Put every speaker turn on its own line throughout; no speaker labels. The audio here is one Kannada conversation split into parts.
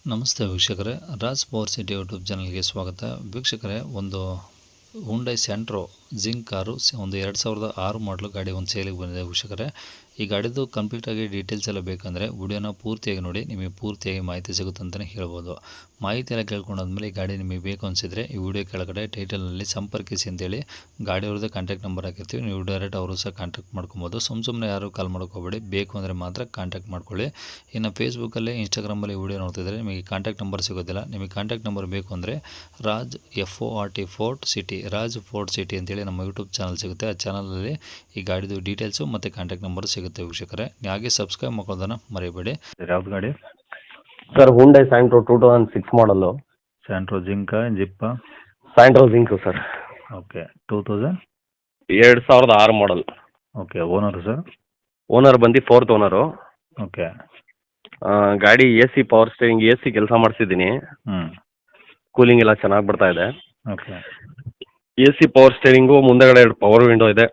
ನಮಸ್ತೆ ವೀಕ್ಷಕರೇ, ರಾಜ್ ಪವರ್ ಸಿಟಿ ಯೂಟ್ಯೂಬ್ ಚಾನಲ್ಗೆ ಸ್ವಾಗತ. ವೀಕ್ಷಕರೇ, ಒಂದು ಹುಂಡೈ ಸೆಂಟ್ರೋ ಜಿಂಕ್ ಕಾರು ಒಂದು 2006 ಮಾಡಲು ಗಾಡಿ ಒಂದು ಸೇಲಿಗೆ ಬಂದಿದೆ ವೀಕ್ಷಕರೇ. ಈ ಗಾಡಿದು ಕಂಪ್ಲೀಟಾಗಿ ಡೀಟೇಲ್ಸ್ ಎಲ್ಲ ಬೇಕಂದರೆ ವಿಡಿಯೋನ ಪೂರ್ತಿಯಾಗಿ ನೋಡಿ, ನಿಮಗೆ ಪೂರ್ತಿಯಾಗಿ ಮಾಹಿತಿ ಸಿಗುತ್ತೆ ಅಂತಲೇ ಹೇಳ್ಬೋದು. ಮಾಹಿತಿ ಎಲ್ಲ ಕೇಳ್ಕೊಂಡಾದ್ಮೇಲೆ ಈ ಗಾಡಿ ನಿಮಗೆ ಬೇಕು ಅನಿಸಿದರೆ ಈ ವಿಡಿಯೋ ಕೆಳಗಡೆ ಟೈಟಲ್ನಲ್ಲಿ ಸಂಪರ್ಕಿಸಿ ಅಂತೇಳಿ ಗಾಡಿಯವ್ರದ್ದು ಕಾಂಟ್ಯಾಕ್ಟ್ ನಂಬರ್ ಹಾಕಿರ್ತೀವಿ. ನೀವು ಡೈರೆಕ್ಟ್ ಅವರು ಸಹ ಕಾಂಟ್ಯಾಕ್ಟ್ ಮಾಡ್ಕೊಬೋದು. ಸುಮ್ಮನೆ ಯಾರು ಕಾಲ್ ಮಾಡ್ಕೋಬೇಡಿ, ಬೇಕು ಅಂದರೆ ಮಾತ್ರ ಕಾಂಟ್ಯಾಕ್ಟ್ ಮಾಡ್ಕೊಳ್ಳಿ. ಇನ್ನು ಫೇಸ್ಬುಕ್ಕಲ್ಲಿ, ಇನ್ಸ್ಟಾಗ್ರಾಮಲ್ಲಿ ವಿಡಿಯೋ ನೋಡ್ತಿದ್ರೆ ನಿಮಗೆ ಕಾಂಟ್ಯಾಕ್ಟ್ ನಂಬರ್ ಸಿಗೋದಿಲ್ಲ. ನಿಮಗೆ ಕಾಂಟ್ಯಾಕ್ಟ್ ನಂಬರ್ ಬೇಕು ಅಂದರೆ Raj FORT City, Raj Fort City ಅಂತೇಳಿ ನಮ್ಮ ಯೂಟ್ಯೂಬ್ ಚಾನಲ್ ಸಿಗುತ್ತೆ. ಆ ಚಾನಲಲ್ಲಿ ಈ ಗಾಡಿದು ಡೀಟೇಲ್ಸು ಮತ್ತು ಕಾಂಟ್ಯಾಕ್ಟ್ ನಂಬರ್ ಸಿಗುತ್ತೆ ವೀಕ್ಷಕರೇ. ಹಾಗೆ ಸಬ್ಸ್ಕ್ರೈಬ್ ಮಾಡೋದನ್ನು ಮರಿಬೇಡಿ. ಯಾವ್ದು ಗಾಡಿ
sir Hyundai Santro 2006 model.
Santro ಜಿಂಕಾ ಜಿಪ್ಪಾ?
Santro Xing sir.
Okay,
2006 model.
Okay, owner sir?
Owner ಬಂದು 4th ಓನರು.
ಓಕೆ.
ಗಾಡಿ AC ಪವರ್ ಸ್ಟೇರಿಂಗ್, AC ಕೆಲಸ ಮಾಡಿಸಿದ್ದೀನಿ. ಕೂಲಿಂಗ್ ಎಲ್ಲ ಚೆನ್ನಾಗಿ ಬರ್ತಾ ಇದೆ.
ಓಕೆ.
AC ಪವರ್ ಸ್ಟೇರಿಂಗು, ಮುಂದೆಗಡೆ 2 ಪವರ್ ವಿಂಡೋ ಇದೆ.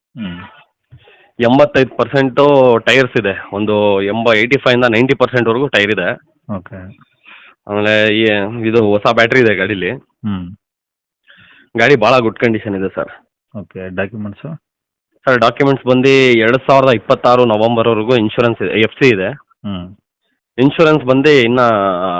85% ಟೈರ್ಸ್ ಇದೆ. ಒಂದು 85ಇಂದ 90%ವರೆಗೂ ಟೈರ್ ಇದೆ.
ಓಕೆ.
ಆಮೇಲೆ ಇದು ಹೊಸ ಬ್ಯಾಟ್ರಿ ಇದೆ ಗಾಡೀಲಿ. ಗಾಡಿ ಭಾಳ ಗುಡ್ ಕಂಡೀಷನ್ ಇದೆ sir.
Okay. Documents?
Sir documents ಬಂದು 2026 ನವಂಬರ್ವರೆಗೂ ಇನ್ಶೂರೆನ್ಸ್ ಇದೆ, FC ಇದೆ. ಇನ್ಶೂರೆನ್ಸ್ ಬಂದು ಇನ್ನು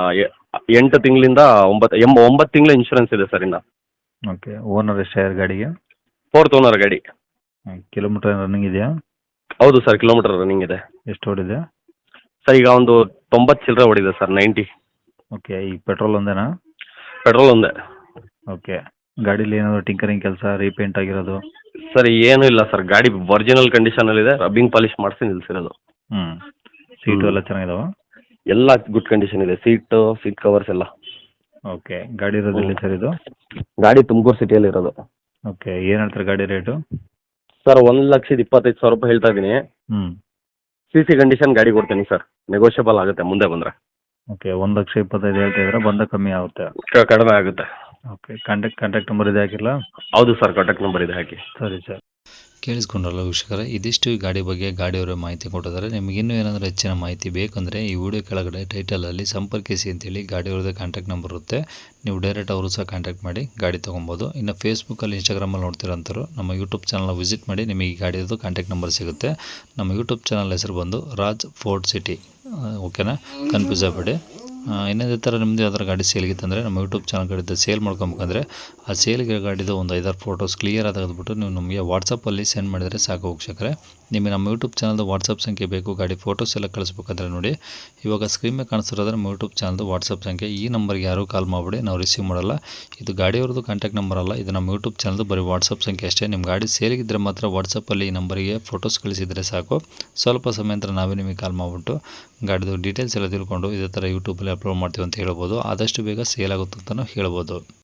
8 ತಿಂಗಳಿಂದ 9 ತಿಂಗಳು ಇನ್ಶೂರೆನ್ಸ್ ಇದೆ ಸರ್ ಇನ್ನು.
ಓಕೆ. ಓನರ್ ಎಷ್ಟು ಗಾಡಿಗೆ?
4th ಓನರ್ ಗಾಡಿ.
ಕಿಲೋಮೀಟರ್ ರನ್ನಿಂಗ್ ಇದೆಯಾ?
ಹೌದು ಸರ್, ಕಿಲೋಮೀಟರ್ ರನ್ನಿಂಗ್ ಇದೆ.
ಎಷ್ಟು ಓಡಿದೆ
ಸರ್? ಈಗ ಒಂದು 90 ಚಿಲ್ಲರೆ ಓಡಿದೆ ಸರ್, 90.
ಓಕೆ. ಈಗ ಪೆಟ್ರೋಲ್ ಒಂದೇನಾ?
ಪೆಟ್ರೋಲ್ ಒಂದೇ.
ಓಕೆ. ಗಾಡೀಲಿ ಏನಾದರೂ ಟಿಂಕರಿಂಗ್ ಕೆಲಸ, ರೀಪೇಂಟ್ ಆಗಿರೋದು?
ಸರ್ ಏನೂ ಇಲ್ಲ ಸರ್, ಗಾಡಿ ಒರಿಜಿನಲ್ ಕಂಡೀಷನಲ್ಲಿದೆ. ರಬ್ಬಿಂಗ್ ಪಾಲಿಶ್ ಮಾಡಿಸಿ ನಿಲ್ಲಿಸಿರೋದು.
ಸೀಟು ಎಲ್ಲ ಚೆನ್ನಾಗಿದಾವ?
ಎಲ್ಲ ಗುಡ್ ಕಂಡೀಷನ್ ಇದೆ. ಸೀಟ್ ಕವರ್ಸ್ ಎಲ್ಲ.
ಓಕೆ. ಗಾಡಿ ಇರೋದು ಎಲ್ಲಿ ಸರ್ ಇದು?
ಗಾಡಿ ತುಮಕೂರು ಸಿಟಿಯಲ್ಲಿ ಇರೋದು.
ಓಕೆ. ಏನು ಹೇಳ್ತಾರೆ ಗಾಡಿ ರೇಟು?
ಸರ್ 1,25,000 ರೂಪಾಯಿ ಹೇಳ್ತಾ ಇದ್ದೀನಿ. CC ಕಂಡೀಷನ್ ಗಾಡಿ ಕೊಡ್ತೀನಿ ಸರ್, ನೆಗೋಷಿಯಬಲ್ ಆಗುತ್ತೆ ಮುಂದೆ ಬಂದರೆ.
ಓಕೆ. 1,25,000 ಹೇಳ್ತಾ ಇದ್ರೆ ಬಂದ ಕಮ್ಮಿ ಆಗುತ್ತೆ?
ಕಡಿಮೆ ಆಗುತ್ತೆ.
ಓಕೆ. ಕಾಂಟ್ಯಾಕ್ಟ್ ನಂಬರ್ ಇದೆ ಹಾಕಿಲ್ಲ?
ಹೌದು ಸರ್, ಕಾಂಟ್ಯಾಕ್ಟ್ ನಂಬರ್ ಇದೆ ಹಾಕಿ.
ಸರಿ ಸರ್. ಕೇಳಿಸ್ಕೊಂಡ್ರಲ್ಲ ವೀಕ್ಷಕರೇ, ಇದಿಷ್ಟು ಈ ಗಾಡಿ ಬಗ್ಗೆ ಗಾಡಿಯವರ ಮಾಹಿತಿ ಕೊಟ್ಟಿದ್ದಾರೆ. ನಿಮಗೆ ಇನ್ನೂ ಏನಾದರೂ ಹೆಚ್ಚಿನ ಮಾಹಿತಿ ಬೇಕಂದರೆ ಈ ವಿಡಿಯೋ ಕೆಳಗಡೆ ಟೈಟಲಲ್ಲಿ ಸಂಪರ್ಕಿಸಿ ಅಂತೇಳಿ ಗಾಡಿಯವ್ರದ್ದು ಕಾಂಟ್ಯಾಕ್ಟ್ ನಂಬರ್ ಇರುತ್ತೆ. ನೀವು ಡೈರೆಕ್ಟ್ ಅವರು ಸಹ ಕಾಂಟ್ಯಾಕ್ಟ್ ಮಾಡಿ ಗಾಡಿ ತೊಗೊಬೋದು. ಇನ್ನು ಫೇಸ್ಬುಕ್ಕಲ್ಲಿ, ಇನ್ಸ್ಟಾಗ್ರಾಮಲ್ಲಿ ನೋಡ್ತಿರೋಂಥವ್ರು ನಮ್ಮ ಯೂಟ್ಯೂಬ್ ಚಾನಲ್ನ ವಿಸಿಟ್ ಮಾಡಿ, ನಿಮಗೆ ಈ ಗಾಡಿಯದ್ದು ಕಾಂಟ್ಯಾಕ್ಟ್ ನಂಬರ್ ಸಿಗುತ್ತೆ. ನಮ್ಮ ಯೂಟ್ಯೂಬ್ ಚಾನಲ್ ಹೆಸರು ಬಂದು ರಾಜ್ ಫೋರ್ಟ್ ಸಿಟಿ. ಓಕೆನಾ? ಕನ್ಫ್ಯೂಸ್ ಆಗಬೇಡಿ. ಇನ್ನೊಂದೇ ಥರ ನಿಮ್ಮದು ಯಾವ್ದಾರು ಗಾಡಿ ಸೇಲ್ಗಿತ್ತಂದರೆ ನಮ್ಮ ಯೂಟ್ಯೂಬ್ ಚಾನಲ್ ಕಡೆದು ಸೇಲ್ ಮಾಡ್ಕೊಬೇಕಂದ್ರೆ ಆ ಸೇಲ್ಗೆ ಗಾಡಿದು ಒಂದು 5-6 ಫೋಟೋಸ್ ಕ್ಲಿಯರ್ ತೆಗೆದುಬಿಟ್ಟು ನೀವು ನಮಗೆ ವಾಟ್ಸಪ್ಪಲ್ಲಿ ಸೆಂಡ್ ಮಾಡಿದರೆ ಸಾಕು ವೀಕ್ಷಕರೇ. ನಿಮಗೆ ನಮ್ಮ ಯೂಟ್ಯೂಬ್ ಚಾನಲ್ದು ವಾಟ್ಸಪ್ ಸಂಖ್ಯೆ ಬೇಕು, ಗಾಡಿ ಫೋಟೋಸ್ ಎಲ್ಲ ಕಳಿಸ್ಬೇಕಂದ್ರೆ ನೋಡಿ, ಇವಾಗ ಸ್ಕ್ರೀನ್ ಮೇಲೆ ಕಾಣಿಸ್ತಿರೋದ್ರೆ ನಮ್ಮ ಯೂಟ್ಯೂಬ್ ಚಾನಲ್ದು ವಾಟ್ಸಪ್ ಸಂಖ್ಯೆ. ಈ ನಂಬರ್ಗೆ ಯಾರೂ ಕಾಲ್ ಮಾಡಿಬಿಡಿ, ನಾವು ರಿಸೀವ್ ಮಾಡಲ್ಲ. ಇದು ಗಾಡಿಯವ್ರದ್ದು ಕಾಂಟ್ಯಾಕ್ಟ್ ನಂಬರ್ ಅಲ್ಲ, ಇದು ನಮ್ಮ ಯೂಟ್ಯೂಬ್ ಚಾನಲ್ದು ಬರೀ ವಾಟ್ಸಪ್ ಸಂಖ್ಯೆ ಅಷ್ಟೇ. ನಿಮ್ಮ ಗಾಡಿ ಸೇಲಿಗಿದ್ದರೆ ಮಾತ್ರ ವಾಟ್ಸಪ್ಪಲ್ಲಿ ಈ ನಂಬರಿಗೆ ಫೋಟೋಸ್ ಕಳಿಸಿದರೆ ಸಾಕು. ಸ್ವಲ್ಪ ಸಮಯ ನಂತರ ನಾವೇ ನಿಮಗೆ ಕಾಲ್ ಮಾಡಿಬಿಟ್ಟು ಗಾಡಿದು ಡೀಟೇಲ್ಸ್ ಎಲ್ಲ ತಿಳ್ಕೊಂಡು ಇದೇ ಥರ ಯೂಟ್ಯೂಬಲ್ಲಿ ಅಪ್ಲೋಡ್ ಮಾಡ್ತೀವಿ ಅಂತ ಹೇಳ್ಬೋದು. ಆದಷ್ಟು ಬೇಗ ಸೇಲ್ ಆಗುತ್ತೆ ಅಂತಲೂ ಹೇಳ್ಬೋದು.